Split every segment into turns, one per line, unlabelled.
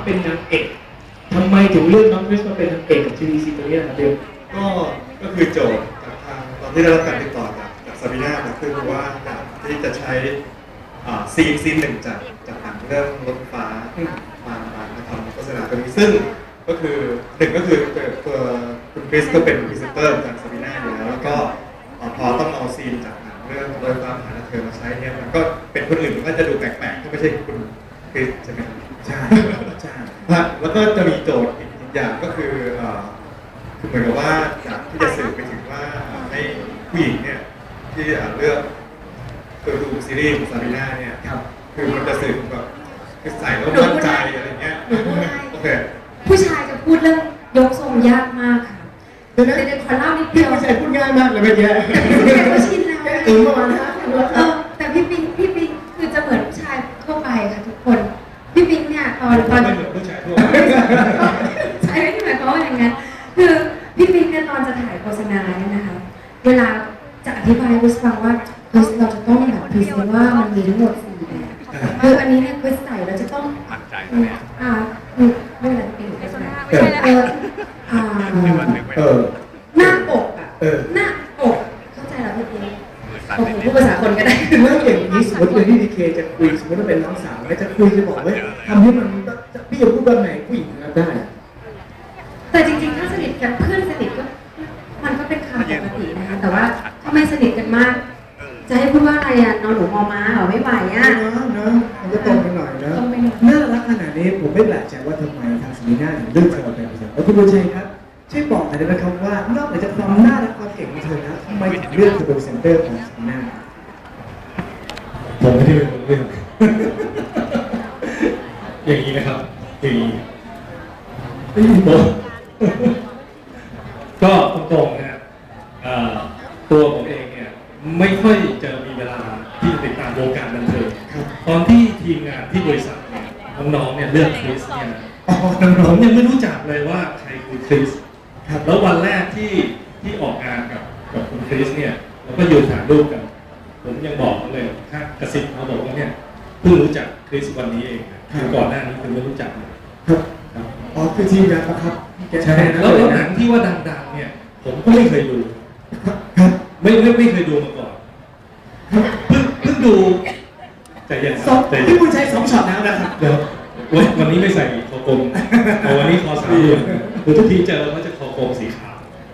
เป็นนางเอกทำไมถึงเลือกน้องคริสมาเป็นนางเอกกับทีวีซีตัวนี้นะครับเบล
ก็คือโจทย์จากทางตอนที่ได้รับการติดต่อจากซาบีน่าคือว่าอยากที่จะใช้ซีนหนึ่งจากหนังเรื่องรถไฟฟ้ามาทำโฆษณาตัวนี้ซึ่งก็คือหนึ่งก็คือตัวคุณคริสก็เป็นพรีเซนเตอร์จากซาบีน่าอยู่แล้วก็พอต้องเอาซีนจากหนังเรื่องรถไฟฟ้าหาเธอมาใช้เนี่ยมันก็เป็นคนอื่นมันก็จะดูแปลกๆก็ไม่ใช่คุณคริสใช่ไหมใช่แล้วก็จะมีโจทย์อีกอย่างก็คือเหมือนกับว่าอยากที่จะสื่อไปถึงว่าให้ผู้หญิงเนี่ยที่เลือกดูซีรีส์ของซาบีน่าเนี่ยคือมันจะสื่อแบบคือใส่แล้วมั่นใจอะไรเงี้ยโอเค
ผู้ชายจะพูดเรื่องยกทรงยากมากค่ะแต่ขอเล่านิดเดียว
ผู้ชายพูดง่ายมากเลยไม่แย่
พี่ปิ๊กก็ชินแล้ว
ประมาณนั้น
แต่พี่ปิ๊กคือจะเหมือนผู้ชายทั่วไปค่ะทุกคนพี่ปิ๊กเนี่ยตอน
ไม่เหมือนผู้ชายทั่วไป
ใช่ไม่หมายความว่าอย่างนั้นคือพี่ปิ๊กเนี่ยตอนจะถ่ายโฆษณาเนี่ยนะคะเวลาจะอธิบายให้ฟังว่าเราจะต้องแบบพรีเซนต์ว่ามันมีทั้งหมด4แบบคืออันนี้เนี่ยคริสใส่เราจะต้อง
มั่นใจเนี่ย
ไม่เป็นไรเป็นโฆษณาหน้าปกหน้าปกเข้าใจแล้วพี่ปิ๊กผมพูดภาษาคนก็ได้
เมื่ออย่างนี้สมมติเป็นพี่ดีเคจะคุยสมมติว่าเป็นน้องสาวจะคุยจะบอกว่าทำให้มันพี่จะพูดแบบไหนผู้หญิงรับได้
แต่จริงๆถ้าสนิทกันเพื่อนสนิทก็มันก็เป็นคำปกตินะคะแต่ว่าถ้าไม่สนิทกันมากจะให้พูดว่าอะไรอ่ะนอนหนูมอม้าเหรอไม่ไหวอ่ะ
เนาะมันก็ตรงไปหน่อยนะน่ารักขนาดนี้ผมไม่แปลกใจว่าทำไมทางซาบีน่าถึงเลือกเธอเป็นพรีเซนเตอร์คุณบุญชัยครับช่วยบอกหน่อยได้ไหมครับว่านอกจากความน่ารักความเก่งของเธอนะทำไมถึงเลือกเธอเป็นพรีเซนเตอร์ของซาบีน่า
ผมไม่ได้เป็นคนเลือกอย่างนี้นะครับก็ตรงๆนะตัวผมเองเนี่ยไม่ค่อยจะมีเวลาที่จะติดตามวงการบันเทิงตอนที่ทีมงานที่บริษัทเนี่ยน้องๆเนี่ยเลือกคริสเนี่ยผมยังไม่รู้จักเลยว่าใครคือคริสแล้ววันแรกที่ออกงานกับคุณคริสเนี่ยเราก็ยืนถ่ายรูปกันผมยังบอกเขาเลยถ้ากระซิบเขาบอกว่าเนี่ยเพิ่งรู้จักคริสวันนี้เองก่อนหน้านี้คือไม่รู้จักเลย
คือทีมงานครับ
ใช่แล้วหนังที่ว่าดังๆเนี่ยผมก็ไม่เคยดูไม่เคยดูมาก่อนเพิ่งดูใจเย็น
พี่บุญชัย2 ช็อตแล้วนะครับ
เดี๋ยววันนี้ไม่ใส่คอกลมวันนี้คอ3 เหลี่ยมคือทุกทีเจอเขาจะคอกลมสีขาว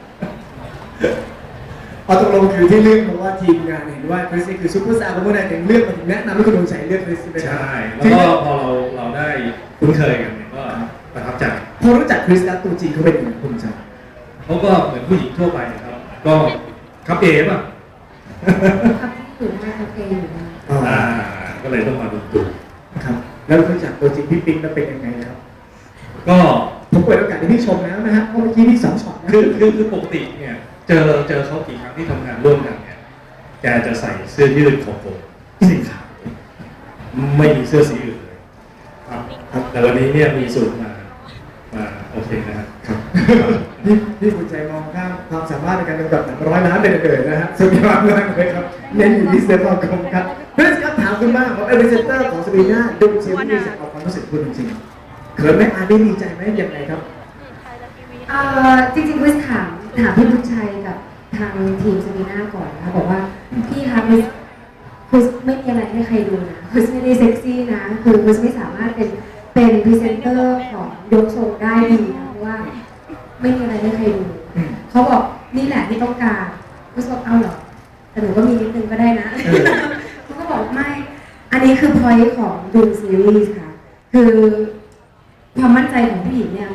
ตกลงคือที่เลือกเพราะว่าทีมงานเห็นว่าคริสคือซุปเปอร์สตาร์ของเมื่อไหร่ถึงเลือกมาถึงแนะนำให้คุณบุญชัยเลือกคริสไป
ใช่แล้วก็พอเราได้คุ้นเคยกันเนี่ยก็ประทับใจ
พอรู้จักคริสแล้วตัวจริงเขาเป็นยังไงคุณบุญชัย
เขาก็เหมือนผู้หญิงทั่วไปครับก็ครับเอป่ะ
ครับถูกมากครับเออยู่นะ
ก็เลยต้องมาดู
ครับแล้วรู้จักตัวจริงพี่ปิ๊งแล้วเป็นยังไงครับ
ก็
ผมเปิดโอกาสให้พี่ชมแล้วนะฮะเพราะเมื่อกี้พี่2 ช็อตนะ
คือปกติเนี่ยเจอเขากี่ครั้งที่ทำงานร่วมกันเนี่ยแกจะใส่เสื้อยืดของผมสีขาวไม่มีเสื้อสีอื่นเลยครับแต่วันนี้เนี่ยมีสูตรมาโอเคนะครับ
พี่บุญชัยมองข้ามความสามารถในการกำกับหนัง100 ล้านเลยนะฮะสุดยอดมากเลยครับเน้นอยู่ที่เสื้อผ้าคมครับเพื่อนครับถามคุณบ้างของพรีเซนเตอร์ของซาบีน่าดูเชฟที่จะเอาความรู้สึกคุณจริงๆเขินไหมได้ดีใจไหมยังไงครับ
จริงๆคริสถามพี่บุญชัยกับทางทีมซาบีน่าก่อนนะคะบอกว่าพี่คะคริสไม่มีอะไรให้ใครดูนะคริสไม่ได้เซ็กซี่นะคือคริสไม่สามารถเป็นพรีเซนเตอร์ของยกทรงได้ดีนะเพราะว่าไม่มีอะไรให้ใครดูเขาบอกนี่แหละที่ต้องการคริสบอกเอาเหรอแต่หนูก็มีนิดนึงก็ได้นะเขาก็บอกไม่อันนี้คือพอยต์ของดูซีรีส์ค่ะคือความมั่นใจของผู้หญิงเนี่ย